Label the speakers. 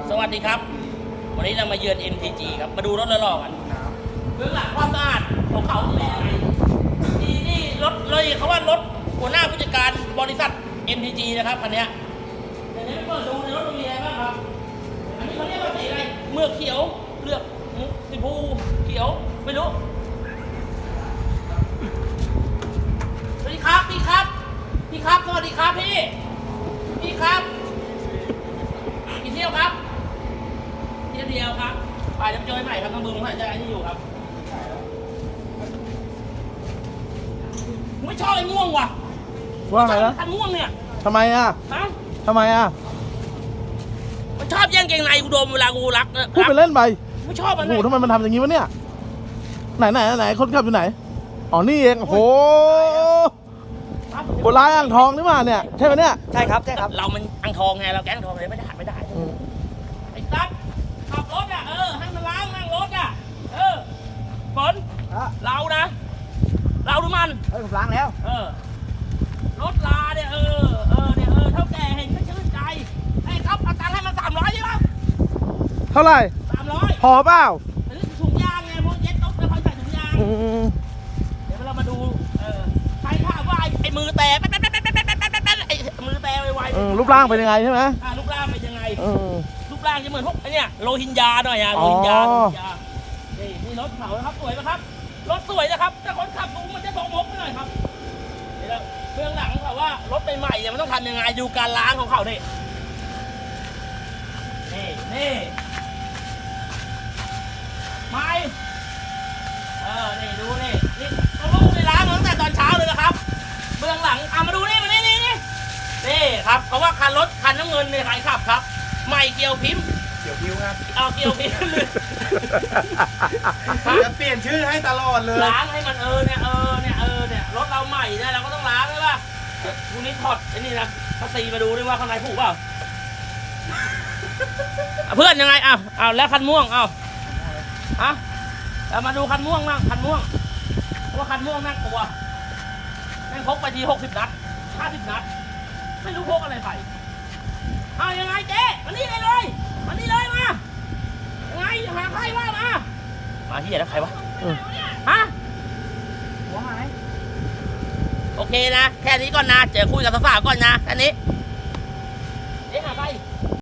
Speaker 1: สวัสดีครับวันนี้เรามาเยือน MTG ครับมาดูรถหล่อๆกันเบื้องหลังความสะอาดของเขาเป็นยังไงนี่รถเลยเขาว่ารถหัวหน้าผู้จัดการบริษัท MTG นะครับคันนี้เดี๋ยวนี้เปิดดูในรถมีอะไรบ้างครับอันนี้เขาเรียกว่าสีอะไรเมือกเขียวเลือกสีฟูเขียวไม่รู้สวัสดีครับพี่ครับพี่ครับสวัสดีครับพี่ครับกี่เที่ยวครับเที่ยวเดียวครับไปจะเจอใหม่ครับต้องบึงให้ใจที่อยู่ครับไม่ชอบไอ้ม่วงว่ะ
Speaker 2: ว่าไงนะ
Speaker 1: คันม่วงเนี่ย
Speaker 2: ทำไมอ่ะ
Speaker 1: ฮะ
Speaker 2: ทำไมอ่ะ
Speaker 1: มันชอบแย่งเกงในกูดมเวลากูรัก
Speaker 2: พูดไปเล่นไป
Speaker 1: ไม่ชอบมัน
Speaker 2: โอ้โหทำไมมันทำอย่างนี้วะเนี่ยไหนคนขับอยู่ไหนอ๋อนี่เองโอ้โหโบราณอ่างทองนี่มาเนี่ยใช่ไหมเนี่ย
Speaker 3: ใช่ครับ
Speaker 1: เรามันอังทองไงเราแก๊งทองเลยไม่ได้ไอ้ตั๊ดขับรถอ่ะให้มันล้างนั่งรถอ่ะฝนเรานะเราดูมัน
Speaker 3: ผมล้างแล้ว
Speaker 1: รถลาเนี่ยเท่าแก่เห็นก็ชื่นใจให้ครับเอาตังค์ให้มัน300ใช่ไหม
Speaker 2: เท่าไหร่
Speaker 1: 300
Speaker 2: พอเปล่า
Speaker 1: ถุงยางไงพวกเย็ดตุ๊กแล้วเขาใส่ถุงยางเดี๋ยวเรามาดูใครถามว่าไอ้มือแต่ไอ้มือแต่ไวๆ
Speaker 2: รูปร่างเป็นยังไงใช่ไหม
Speaker 1: รูปร่างเป็นยังไง
Speaker 2: อืม
Speaker 1: รูปร่างจะเหมือนพวกไอ้เนี่ยโลหินยาหน่อยโลหินยานี่รถเขานะครับสวยไหมครับรถสวยนะครับแต่คนขับดูมันจะสกมกไปหน่อยครับเดี๋ยวเบื้องหลังเขาว่ารถใหม่ๆเนี่ยมันต้องทำยังไงดูการล้างของเขานี่ไม่นี่ดูนี่เขาลูกในล้างตั้งแต่ตอนเช้าเลยนะครับเบื้องหลังมาดูนี่มานี่ครับเพราะว่าคันรถคันน้ำเงินในใครขับครับใหม่เกียวพิมพ์
Speaker 3: เกี่ยวพิ้วครับ
Speaker 1: เกียวพิมพ์
Speaker 3: จะเปลี่ยนชื่อให้ตลอดเลย
Speaker 1: ล้างให้มันเนี่ยรถเราใหม่เนี่ยเราก็ต้องล้างใช่ป่ะพรุ่งนี้ถอดไอ้นี่นะภาษีมาดูด้วยว่าข้างในผูกเปล่าเพื่อนยังไงแล้วคันม่วงเรามาดูคันม่วงบ้างคันม่วงเพราะว่าคันม่วงน่ากลัวแม่งพกไปที60 นัด50 นัดไม่รู้พกอะไรไปยังไงเจ๊มานี่เลยมายังไงหาใครว่ามาเฮียแล้วใครวะ
Speaker 3: หัวหาย
Speaker 1: โอเคนะแค่นี้ก่อนนะเจอคุยกับสาวๆก่อนนะแค่นี้หาใคร